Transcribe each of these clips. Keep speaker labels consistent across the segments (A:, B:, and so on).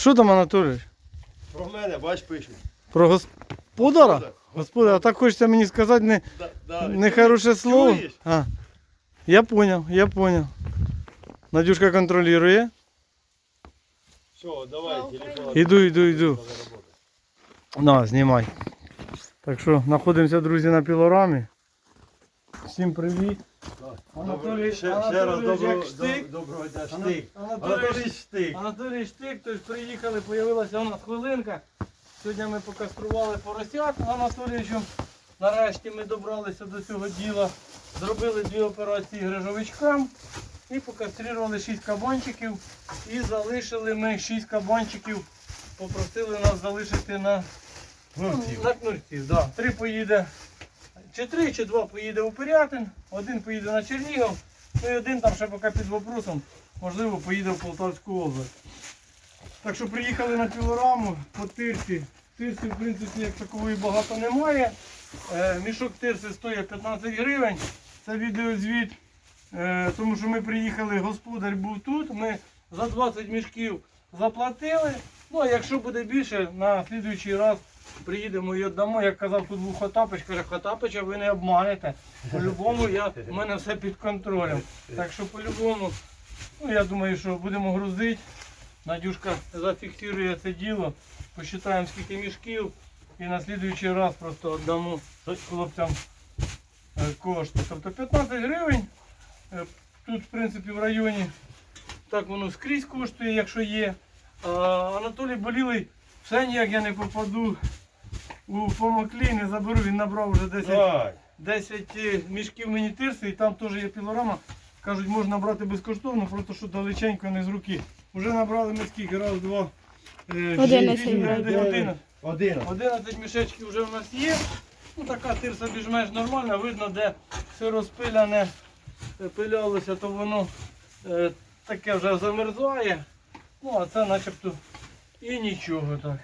A: Що там, Анатолій?
B: Про мене, бач, пишуть.
A: Про господара? Господар, а так хочеться мені сказати нехороше слово.
B: Чуєш?
A: А, я понял. Надюшка контролює.
B: Все, давай, телефон.
A: Іду. На, знімай. Так що, знаходимося, друзі, на пілорамі. Всім привіт. Анатолій,
B: Ще раз доброго дня. Штик. Анатолій Штик.
A: Анатолій Штик, тож приїхали, з'явилася у нас хвилинка. Сьогодні ми покастрували поросят з Анатолійовичем. Нарешті ми добралися до цього діла. Зробили 2 операції грижовичкам і покастрували 6 кабанчиків. І залишили ми 6 кабанчиків. Попросили нас залишити на кнурців. Да. 3 поїде, чи 3, чи 2 поїде у Пирятин, 1 поїде на Чернігів, ну і 1 там ще поки під вопросом, можливо, поїде в Полтавську область. Так що приїхали на пілораму по тирсі. Тирсі, в принципі, як такової багато немає. Мішок тирси стоїть 15 гривень. Це відеозвіт, тому що ми приїхали, господар був тут, ми за 20 мішків заплатили. Ну а якщо буде більше, на слідуючий раз приїдемо і віддамо. Як казав, тут був Хотапич, каже, Хотапича ви не обманете. По-любому у мене все під контролем. Так що по-любому, ну я думаю, що будемо грузити. Надюшка зафіксує це діло, посчитаємо скільки мішків і на слідуючий раз просто віддамо хлопцям кошти. Тобто 15 гривень, тут в принципі в районі так воно скрізь коштує, якщо є. Анатолій болілий, все ніяк я не попаду у помоклі, не заберу, він набрав вже 10 мішків мені тирси і там теж є пілорама. Кажуть, можна брати безкоштовно, просто що далеченько, не з руки. Вже набрали ми скільки? Раз, два, 11 мішечків вже в нас є. Ну, така тирса більш-менш нормальна, видно, де все розпиляне, пилялося, то воно таке вже замерзає. Ну, а це начебто і нічого так.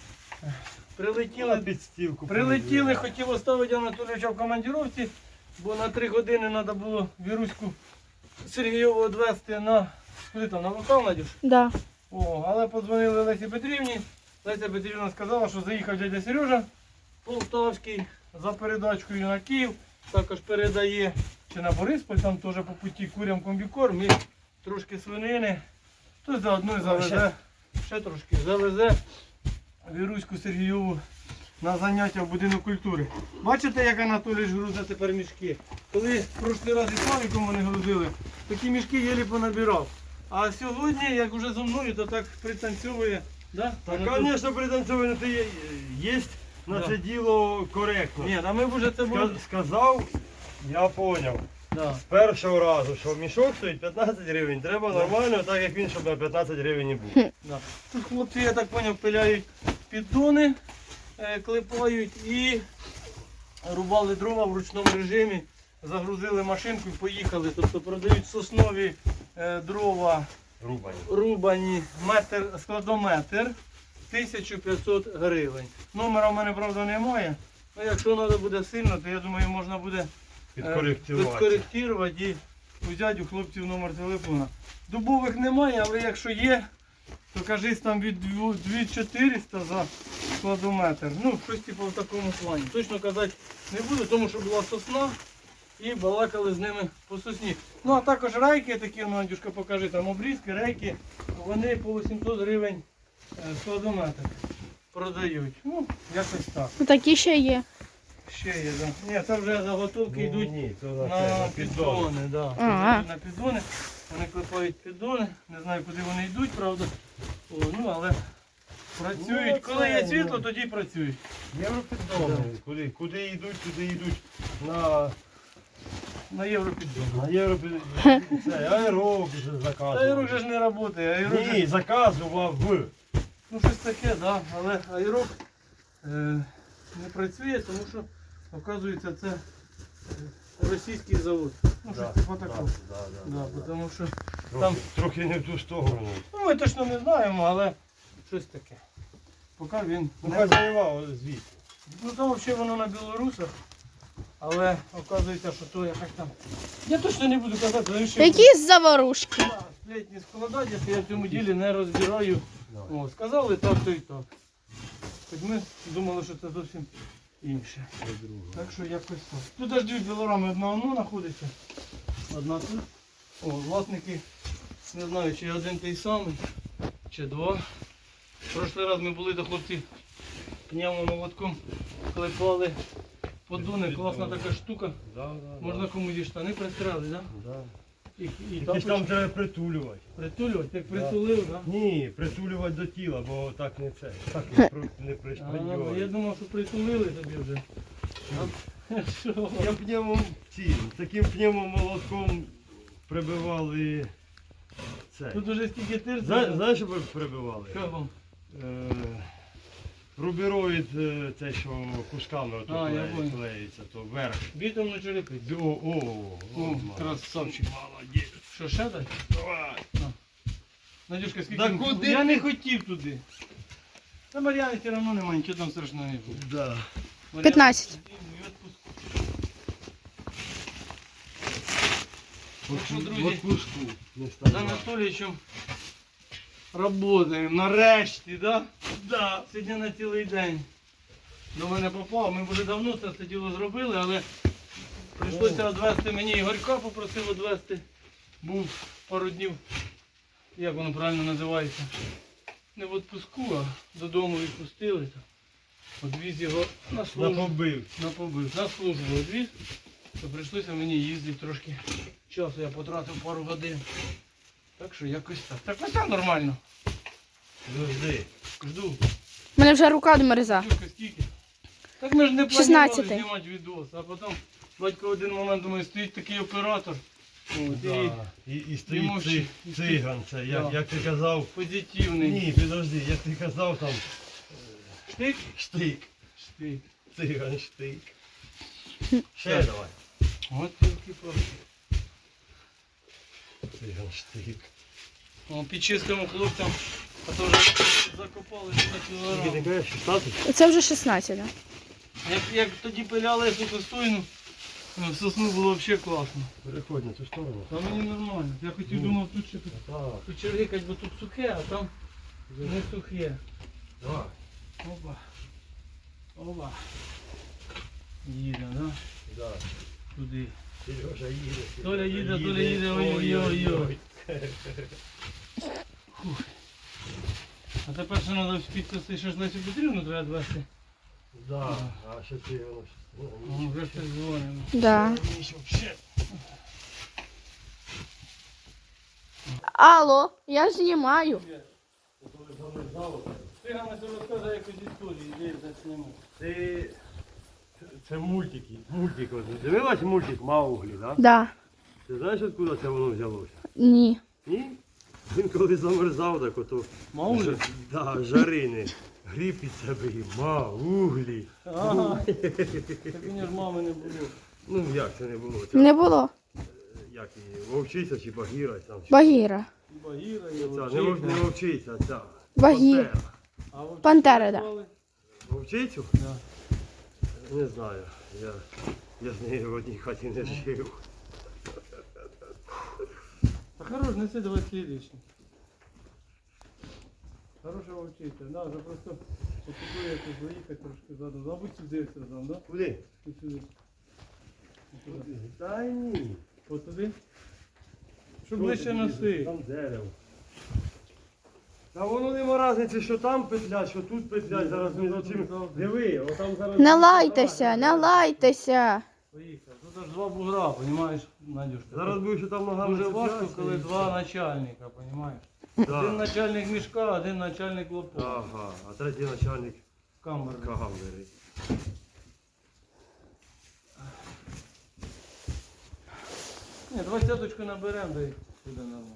A: Прилетіли, хотів оставити Анатолійовича в командировці, бо на 3 години треба було Віруську Сергійову відвезти на, куди там, на вокал, Надюш?
C: Да.
A: Але подзвонили Лесі Петрівні. Леся Петрівна сказала, що заїхав дядя Сережа Полтавський за передачкою на Київ. Також передає чи на Борисполь, там теж по путі курям комбікорм і трошки свинини. То заодно завезе, ще трошки завезе Віруську Сергійову на заняття в будинок культури. Бачите, як Анатолій грузить тепер мішки? Коли в прошлий раз із Славіком вони грузили, такі мішки єлі понабирав. А сьогодні, як вже зо мною, то так пританцьовує. Да?
B: Так, звісно, пританцьовує, то є на це діло коректно.
A: Ні, а ми б вже це було...
B: Сказав, я зрозумів.
A: Да.
B: З першого разу, що мішок стоїть 15 гривень, треба нормально, так як він, щоб на 15 гривень не був.
A: Да. Тут хлопці, я так зрозумів, пиляють піддони, клепають і рубали дрова в ручному режимі, загрузили машинку і поїхали. Тобто продають соснові дрова рубані, складометр 1500 гривень. Номера в мене, правда, немає. Ну, якщо треба буде сильно, то я думаю, можна буде підкоректувати і взяти у хлопців номер телефона. Дубових немає, але якщо є, то кажись там від 2400 за складометр. Ну, щось типу в такому плані. Точно казати не буду, тому що була сосна і балакали з ними по сосні. Ну, а також рейки такі, ну, Надюшка, покажи, там обрізки, рейки, вони по 800 гривень складометр продають. Ну, якось так.
C: Такі ще є.
A: Ще є, так. Да. Ні, це вже заготовки йдуть на піддони. Да.
C: Ага.
A: На піддони. Вони клепають піддони. Не знаю, куди вони йдуть, правда. Ну, але працюють.
B: Ну,
A: коли є світло, тоді працюють.
B: Європіддони. Куди йдуть на
A: європіддони.
B: На європіддони. Це аерок вже заказував.
A: Аерок же ж не працює.
B: Ні, заказував.
A: Ну, щось таке, так. Да. Але аерок не працює, тому що, оказується, це російський завод. Ну, щось типу такого. Тому що там
B: трохи не в ту сторону.
A: Ну, ми точно не знаємо, але щось таке. Поки він
B: не заївав звідти.
A: Ну, там взагалі воно на білорусах, але оказується, що то якось там. Я точно не буду казати,
C: Якісь заварушки.
A: Літні складання, я в цьому ділі не розбираю
B: Давай.
A: О, сказали так, то і так. Хоч ми думали, що це зовсім інше. Так що якось так. Тут аж дві пилорами, одна воно знаходиться, одна тут. О, власники, не знаю, чи один той самий, чи два. Прошлий раз ми були до хлопців пневмом молотком, клепали подуни, класна така штука. Можна комусь і штани пристрелити, так?
B: Да.
A: І
B: Якісь там треба притулювати.
A: притулювати, як притулив, так?
B: Ні, притулювати до тіла, бо так не це. Так не
A: Я
B: пришпандювати.
A: думав, що притулили тобі вже. Що?
B: Я таким пневмом молотком прибивали це.
A: Тут уже стільки тирсів.
B: Знаєш, що прибивали?
A: Що вам?
B: Рубероїд, це що кусками ото
A: Я понял.
B: клеїться, то вверх.
A: Бітумну черепицю.
B: О,
A: Красавчик.
B: молодець.
A: Що, ще дати?
B: Давай.
A: Надюшка, скільки?
B: Да куди
A: Я
B: ти?
A: не хотів туди. Та Мар'яни все одно немає, нічого там страшного не буде.
B: Да.
C: 15.
A: Так що, друзі,
B: В отпуску не
A: з
B: стало.
A: Анатолійовичем працюємо. Нарешті, да? Да. Сьогодні на цілий день до мене попав. Ми вже давно це діло зробили, але прийшлося відвезти мені Ігорька, попросив відвезти. Був пару днів, як воно правильно називається, не в відпуску, а додому відпустили. Одвіз його на службу.
B: Напобив.
A: На службу одвіз, то прийшлося мені їздити трошки часу, я потратив пару годин. Так що якось так. Так ось так нормально.
B: Завжди.
A: Жду.
C: У мене вже рука домерза.
A: Дюшка, скільки? Так ми ж не
C: 16.
A: планували знімати відос, а потім батько в один момент думає, стоїть такий оператор. От, і
B: І стоїть
A: мовчи.
B: циган, це,
A: Да.
B: як ти казав.
A: позитивний.
B: Ні, підожди, як ти казав там
A: Штик?
B: штик.
A: Штик.
B: Циган штик. Ще
A: Так.
B: давай.
A: От тільки просто.
B: Циган штик.
A: О, підчистимо хлопцям, а то вже закопали на
B: Скільки ти
A: кілограм.
B: кажеш, 16?
C: Це вже 16, так?
A: Як тоді пиляли цю сосну, сосну було взагалі класно.
B: Переходь на цю сторону.
A: Та мені нормально. Я хотів думав тут ще
B: Так,
A: почергикать, бо тут сухе, а там не сухе.
B: давай.
A: Опа. Опа. Їде, да?
B: Да.
A: Туди.
B: Сережа їде.
A: Толя їде, ой-ой-ой. А тепер ще треба підкосити, що ж Лесю Петрівну треба відвести.
B: Да, а ще ти воно.
A: О, вже щось дзвонимо.
C: Да.
B: Ще.
C: Алло, я знімаю.
A: Стигаме себе розказує якусь історію, де зачнемо.
B: Це мультики. Мультик. Дивилась мультик Мауглі, так?
C: Да.
B: Ти знаєш, откуда це воно взялося?
C: Ні.
B: Ні? Він коли замерзав, так ото
A: Мауглі?
B: Да, жарини. Гріб під себе і Мауглі.
A: Ага. Так мені ж мами не було.
B: Ну як це не було? Це,
C: Не було.
B: як її, вовчиця чи багіра там. Чи...
C: Багіра.
A: Багіра, і
B: Ця, не вовчиця, а ця.
C: Багіра.
B: Пантера.
A: А вовчицю
C: Пантера, да.
A: назвали?
B: Вовчицю?
A: Да.
B: Не знаю. Я з нею в одній хаті не жив.
A: Та хорош, неси давай слідуючий. Хороша вовчиця, да, вже просто потребує якось заїхати трошки задом. Забудь сюди все там, да?
B: Куди?
A: Ось сюди. Ось сюди.
B: Та ні.
A: Ось туди. Щоб ближче носи.
B: Там дерево. Та воно нема різниці, що там петлять, що тут петлять. Зараз ми за цим. Диви, отам зараз.
C: Не лайтеся, не лайтеся.
A: Поїхав. Тут аж два бугра, розумієш, Надюшка?
B: Зараз будеш що там ногами.
A: Дуже важко,
B: цепляться
A: коли
B: і
A: два
B: все.
A: начальника, розумієш?
B: Да.
A: Один начальник мішка, один начальник лопата.
B: Ага, а третій начальник
A: Камери.
B: камери.
A: Ні, 20-ку наберемо, да й буде нормально.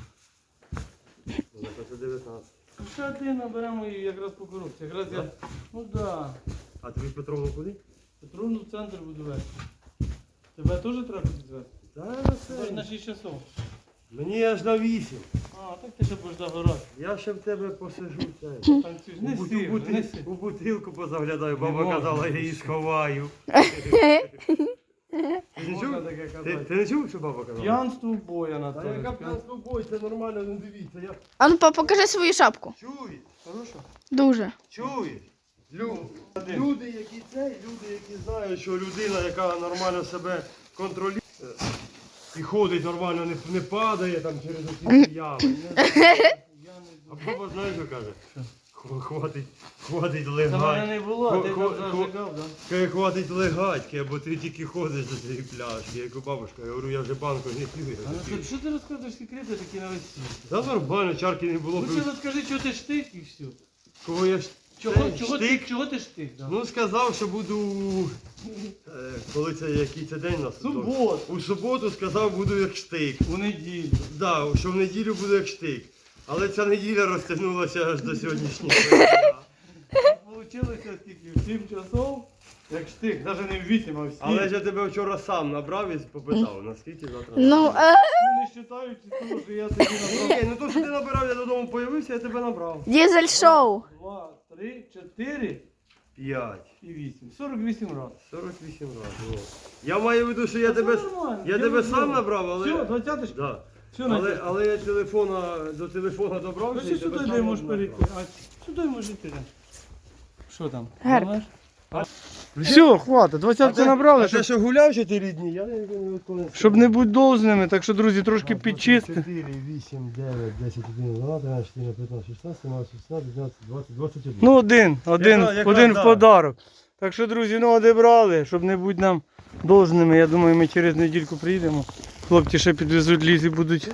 B: Ну, це 19.
A: Ще один наберемо і якраз по коробці. Якраз я, ну так. Да.
B: А тобі Петровну куди?
A: Петровну в центр буду вести. Тебе теж треба підвезти?
B: Та
A: Це ж на
B: це.
A: 6 часов.
B: Мені аж на 8.
A: А, так ти ще будеш догорати.
B: Я ще в тебе посижу. Це.
A: Танцюєш. Не сів, не сів.
B: У бутилку позаглядаю,
A: Не
B: баба
A: можна.
B: казала, я її сховаю. не
A: можна
B: чув?
A: таке
B: Ти
A: казати.
B: не чув, що баба казала?
A: П'янство в бой,
B: Та
A: Анатолій.
B: яка п'янство бой, це нормально, не дивіться. Я...
C: А ну покажи свою шапку.
B: Чуєш?
A: Хорошо?
C: Дуже.
B: Чуєш?
A: Один.
B: Люди, які люди, які знають, що людина, яка нормально себе контролює і ходить нормально, не падає там через оці ями. А баба знаєш, що каже? Хватить
A: Це мене
B: легать.
A: не було, ти там
B: Хо-
A: зажигав, да?
B: Каже, хватить легатьки, або ти тільки ходиш до цієї пляшки. Я кажу, бабушка, я говорю, я вже банку не п'ю. я
A: Анатолій,
B: такий.
A: що ти розказуєш секрети такі на весь світ?
B: Та нормально, чарки не було.
A: Лучше розкажи, чого ти штик і все.
B: Кого я
A: Чого ти штик? Да?
B: Ну сказав, що буду, коли це який це день у нас?
A: Суботу.
B: У суботу сказав, буду як штик.
A: У неділю.
B: Да, що в неділю буду як штик. Але ця неділя розтягнулася аж до сьогоднішнього дня.
A: Получилося скільки? В 7 часов, як штик, навіть не в 8, а в 7.
B: Але ж я тебе вчора сам набрав і попитав, наскільки завтра.
C: Ну,
A: Ну, не вважаючи того, що я тобі набрав.
B: Ні, ну то, що ти набирав, я додому появився, я тебе набрав.
C: дизель шоу.
A: 2, 3, 4
B: 5.
A: і 8. 48 разів.
B: 48 разів. Я маю в виду, що я
A: Та це
B: тебе,
A: нормально,
B: я
A: я
B: тебе
A: розумію.
B: сам набрав, але...
A: Все, 20
B: Да.
A: Все, Надя.
B: Але я до телефона добрався.
A: Ось
B: і тебе
A: сюди
B: сам
A: дай можеш
B: набрав.
A: перейти. А сюди можеш йти. Що там?
C: Герб.
A: Знаєш? Все, хватить, 20 набрали,
B: А ти що гуляв 4 дні? Я не відколи.
A: щоб не бути довзними, так що, друзі, трошки підчистити.
B: 4, 8, 9, 10, 11, 12, 13, 14, 15, 16, 17, 18, 19, 20, 21.
A: Ну, один
B: Якраз,
A: в
B: да.
A: подарок. Так що, друзі, ну одібрали, щоб не бути нам довзними. Я думаю, ми через недільку приїдемо. Хлопці ще підвезуть лізі, будуть.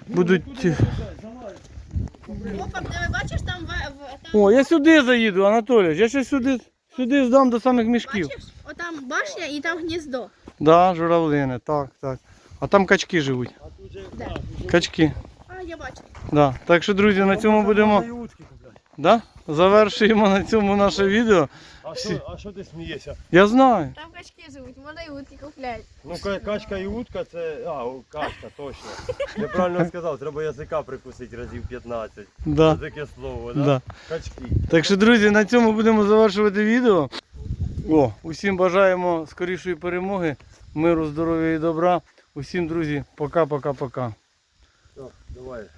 C: Опа, ти бачиш там
A: О, я сюди заїду, Анатолій. Я ще сюди здам до самих мішків.
C: Отам башня і там гніздо.
A: Да, журавлини, так. А там качки живуть.
C: Де?
A: Качки.
C: А, я бачу.
A: Да. Так що, друзі, на цьому будемо. Да? Завершуємо на цьому наше відео.
B: А що ти смієшся?
A: Я знаю.
C: Там качки живуть, можна і утки купляти.
B: Ну, качка і утка це. Качка, точно. Неправильно сказав, треба язика прикусити разів 15.
A: Да.
B: Це таке слово, да?
A: Да.
B: Качки.
A: Так що, друзі, на цьому будемо завершувати відео. Усім бажаємо скорішої перемоги, миру, здоров'я і добра. Усім, друзі, пока-пока-пока.
B: Так, давай.